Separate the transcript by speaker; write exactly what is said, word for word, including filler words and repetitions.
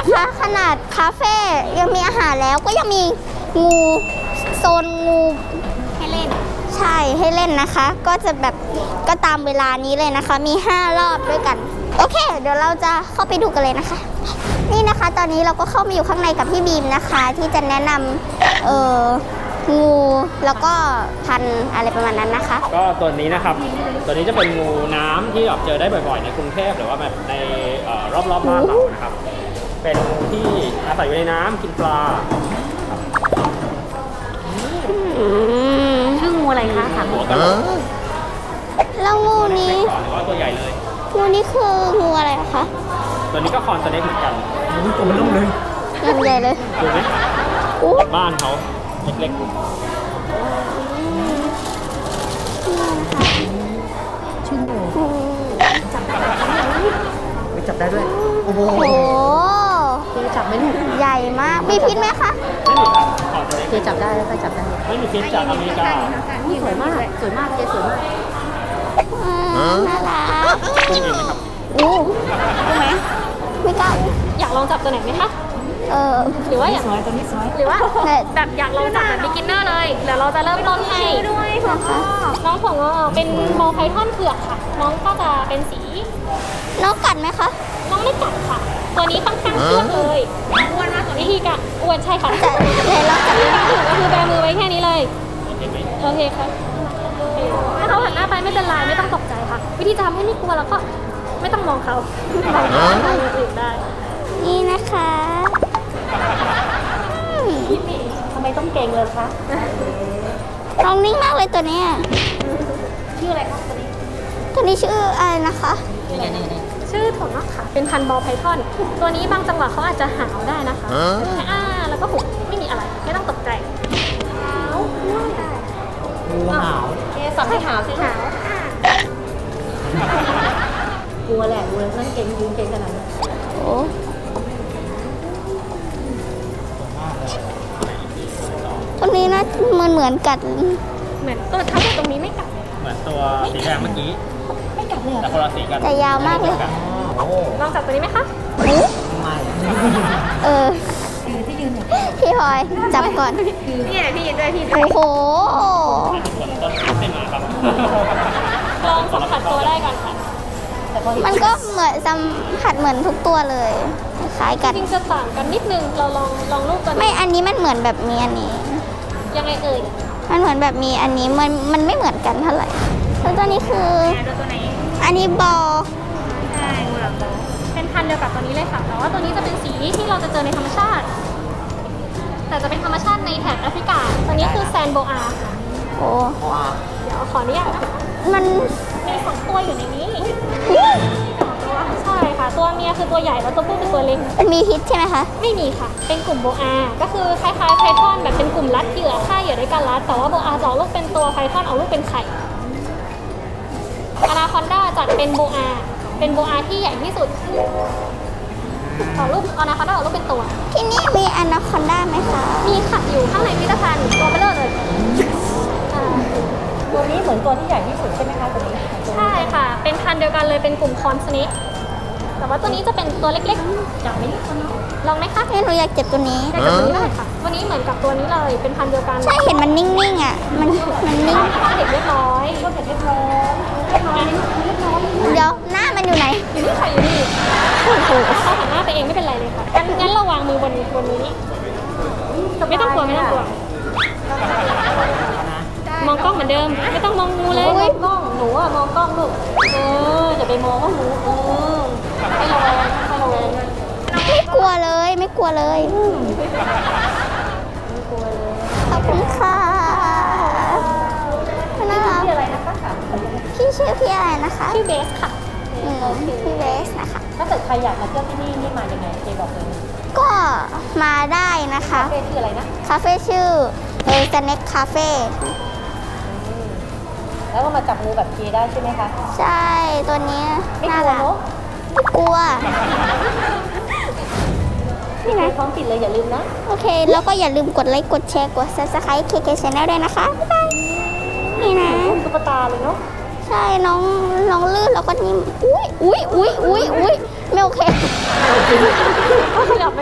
Speaker 1: นะคะ ขนาดคาเฟ่ยังมีอาหารแล้วก็ยังมีงูโซนงูให้เล่นใช่ให้เล่นนะคะ ก็จะแบบก็ตามเวลานี้เลยนะคะ มีห้ารอบด้วยกันโอเคเดี๋ยวเราจะเข้าไปดูกันเลยนะคะนี่นะคะตอนนี้เราก็เข้ามาอยู่ข้างในกับพี่บีมนะคะ ที่จะแนะนำเอ่องูแล้วก็พันธุ์อะไรประมาณนั้นนะคะ
Speaker 2: ก็ตัวนี้นะครับตัวนี้จะเป็นงูน้ำที่แบบเจอได้บ่อยๆในกรุงเทพหรือว่าแบบในรอบๆบ้านเรานะครับเป็นงูที่อาศัยอยู่ในน้ำกินปลา
Speaker 3: ชื่องูอะไรคะถามหัวกัน
Speaker 1: แล้วงูนี้
Speaker 2: หรือว่าตัวใหญ่เลย
Speaker 1: งูนี้คืองูอะไรคะ
Speaker 2: ตัวนี้ก็คอนสเน็กเหมือนกันตัวมันนุ่มเลย
Speaker 1: ยังใหญ่เลย
Speaker 2: ดูไหมบ้านเขาเล็กๆ
Speaker 3: ชื่องูจับได้
Speaker 2: ไม่จับได้ด้วย
Speaker 1: โอ้โห
Speaker 3: เคจับไม่ถูก
Speaker 1: ใหญ่มากมีพิษไหมคะ
Speaker 2: ไม่มีครับ
Speaker 3: เคจับได้แล้วก็จับได้
Speaker 2: ไม่มีพิษจากอเมริกา
Speaker 3: สวยมากสวยมากเคสวยมาก
Speaker 1: น่ารัก
Speaker 2: คุณเองไหมครับ
Speaker 1: อู้ใช่ไหมไม่กล้า
Speaker 3: อยากลองจับตัวไหนไหมคะ
Speaker 1: เออ
Speaker 3: หรือว่าอยากตัวนี้สวยหรือว่าแบบอยากลองจับแบบ beginner เลยเดี๋ยวเราจะเริ่มต้นให้ด้วยนะคะน้องของเราเป็นบอลไพทอนเผือกค่ะน้องก็จะเป็นสี
Speaker 1: น้องกัดไหมคะ
Speaker 3: น้องไม่กัดค่ะตัวนี้ค่อนข้างเชื่องเลยอ้วนมากวิธีการอ้วนใช่ค่ะ
Speaker 1: แต่เราจับไม่
Speaker 3: ถูกก็คือแบมือไว้แค่นี้เลยโอเคค่ะถ้าเขาหันหน้าไปไม่เป็นไรไม่ต้องตกใจค่ะวิธีจะทำให้ไม่กลัวแล้วก็ไม่ต้องมองเขามองคนอื่นได้
Speaker 1: นี่นะคะ
Speaker 3: ทำไมต้องเก่งเลยคะ
Speaker 1: น้องนิ่งมากเลยตัวนี้
Speaker 3: ชื่ออะไรคะตัวนี้
Speaker 1: ตัวนี้ชื่ออะไรนะคะ
Speaker 3: ชื่อถั่วงอกค่ะเป็นพันธุ์บอลไพทอนตัวนี้บางจังหวะเขาอาจจะหาวได้นะคะแค่อ้าแล้วก็หุบไม่มีอะไรไม่ต้องตกใจหาวได้
Speaker 2: งูหาว
Speaker 3: เอ๊ะสั่งให้หาวสิหาวกลัวแหละกลัวนั่นเก่งยืนเก่งขนาดนั้น
Speaker 1: โอ้ตัวนี้นะมันเหมือนกัด
Speaker 3: เหมือนตัวทั้งหมดตรงนี้ไม่กัด
Speaker 2: เหมือนตัวสีแดงเมื่อกี้
Speaker 3: ไม่กัดเลย
Speaker 2: แต่คนละสีกัน
Speaker 1: แต่ยาวมากเลย
Speaker 3: ลองจับตัวนี้ไหมคะ
Speaker 2: ไม่
Speaker 1: เออ
Speaker 3: ที่ยืนเนี่ย
Speaker 1: พี่พลอยจับก่อน
Speaker 3: นี่แหละพี่ยืนด้วยพี่
Speaker 1: โอ้โห
Speaker 3: ลองสัมผัสตัวได้ก่อนค่ะ
Speaker 1: มันก็เหมือนสัมผัสเหมือนทุกตัวเลยคล้ายกัน
Speaker 3: จริงจะต่างกันนิดนึงเราลองลองรูปกัน
Speaker 1: ไม่อันนี้มันเหมือนแบบมีอันนี้
Speaker 3: ยังไงเอ่ย
Speaker 1: มันเหมือนแบบมีอันนี้มันมันไม่เหมือนกันเท่าไหร่แล้วตัวนี้คืออันนี้บอล
Speaker 3: ใช่เป็นพันธุ์เดียวกับตัวนี้เลยค่ะแต่ว่าตัวนี้จะเป็นสีที่เราจะเจอในธรรมชาติแต่จะเป็นธรรมชาติในแถบแอฟริกาตัวนี้คือแซนโบอาค่ะ
Speaker 1: โอ้
Speaker 3: เดี๋ยวขออนุญาตนะคะ
Speaker 1: มัน
Speaker 3: มีสองตัวอยู่ในนี้ใช่ค่ะตัวเมียคือตัวใหญ่แล้วตัวผู้เป็นตัวเล็ก
Speaker 1: มีพิษใช่ไหมคะ
Speaker 3: ไม่มีค่ะเป็นกลุ่มโบอาก็คือคล้ายๆไพทอนแบบเป็นกลุ่มรัดเหยื่อฆ่าเหยื่อด้วยการรัดแต่ว่าโบอาจะออกลูกเป็นตัวไพทอนออกลูกเป็นไข่อนาคอนดาจัดเป็นโบอาเป็นโบอาที่ใหญ่ที่สุดออกลูกอนาคอนดาออกลูกเป็นตัว
Speaker 1: ที่นี่มีอนาคอนดาไหมคะ
Speaker 3: มีค่ะอยู่ข้างในพิพิธภัณฑ์ตัวเบลอเลยตัวนี้เหมือนตัวที่ใหญ่ที่สุดใช่ไหมคะตัวนี้ใช่ค่ะเป็นพันธุ์เดียวกันเลยเป็นกลุ่มคอนสเนกแต่ว่าตัวนี้จะเป็นตัวเล็กๆอยากไหมลองไหมคะ
Speaker 1: หนูอยากเจ็บตัวนี้
Speaker 3: อยากเจ็บตัวนี้ได้ค่ะตัวนี้เหมือนกับตัวนี้เลยเป็นพันธุ์เดียวกัน
Speaker 1: ใช่เห็นมันนิ่งๆอ่ะมันมันนิ่ง
Speaker 3: ข้าวเด็กเรียบร้อยข้าวเด็กเรียบร้อยเรียบร้อยเรียบร้อย
Speaker 1: เดี๋ยวหน้ามันอยู่ไหน
Speaker 3: อยู่นี่ค่ะอยู่นี่โอ้โหเขาหันหน้าไปเองไม่เป็นไรเลยค่ะงั้นงั้นเราวางมือบนบนนี้ไม่ต้องกลัวไม่ต้องกลัวมองกล้องเหมือนเดิมไม่ต้องมองงูเลยมองกล้องหนูอะมองกล้องลูกเอออย่าไปมองว่างูเออให้ระวังให้ระวัง
Speaker 1: ไม่กลัวเลยไม่กลัวเลย
Speaker 3: ไม่กลัวเลย
Speaker 1: ขอบคุณค่ะน่ารัก
Speaker 3: พี่อะไรนะคะ
Speaker 1: พี่ชื่อพี่อะไรนะคะ
Speaker 3: ชื่อเบสค่ะ
Speaker 1: พี่เบสนะคะ
Speaker 3: ถ้าเกิดใครอยากมาเที่ยวที่นี่นี่มายังไงเจบอกเลย
Speaker 1: ก็มาได้นะคะ
Speaker 3: คาเฟ่ชื่ออะไรนะ
Speaker 1: คาเฟ่ชื่อเออสแน็คคาเฟ่
Speaker 3: แล้วก็มาจับงูแบบเคได้ใช่ไหมคะ
Speaker 1: ใช่ตัวนี้
Speaker 3: น่ารัก
Speaker 1: ไม่กลัว
Speaker 3: นี่นะพร้อมปิดเลยอย่าลืมนะ
Speaker 1: โอเคแล้วก็อย่าลืมกดไลค์กดแชร์กด ซับสไครบ์ เค เค Channel ด้วยนะคะบ๊ายบายนี่นะ
Speaker 3: ตุ๊กตาเลยเนาะ
Speaker 1: ใช่น้องน้องลื่นแล้วก็นิ่มอุ้ยอุ้ยอุ้ยอุ้ยอุ้ยไม่โอเค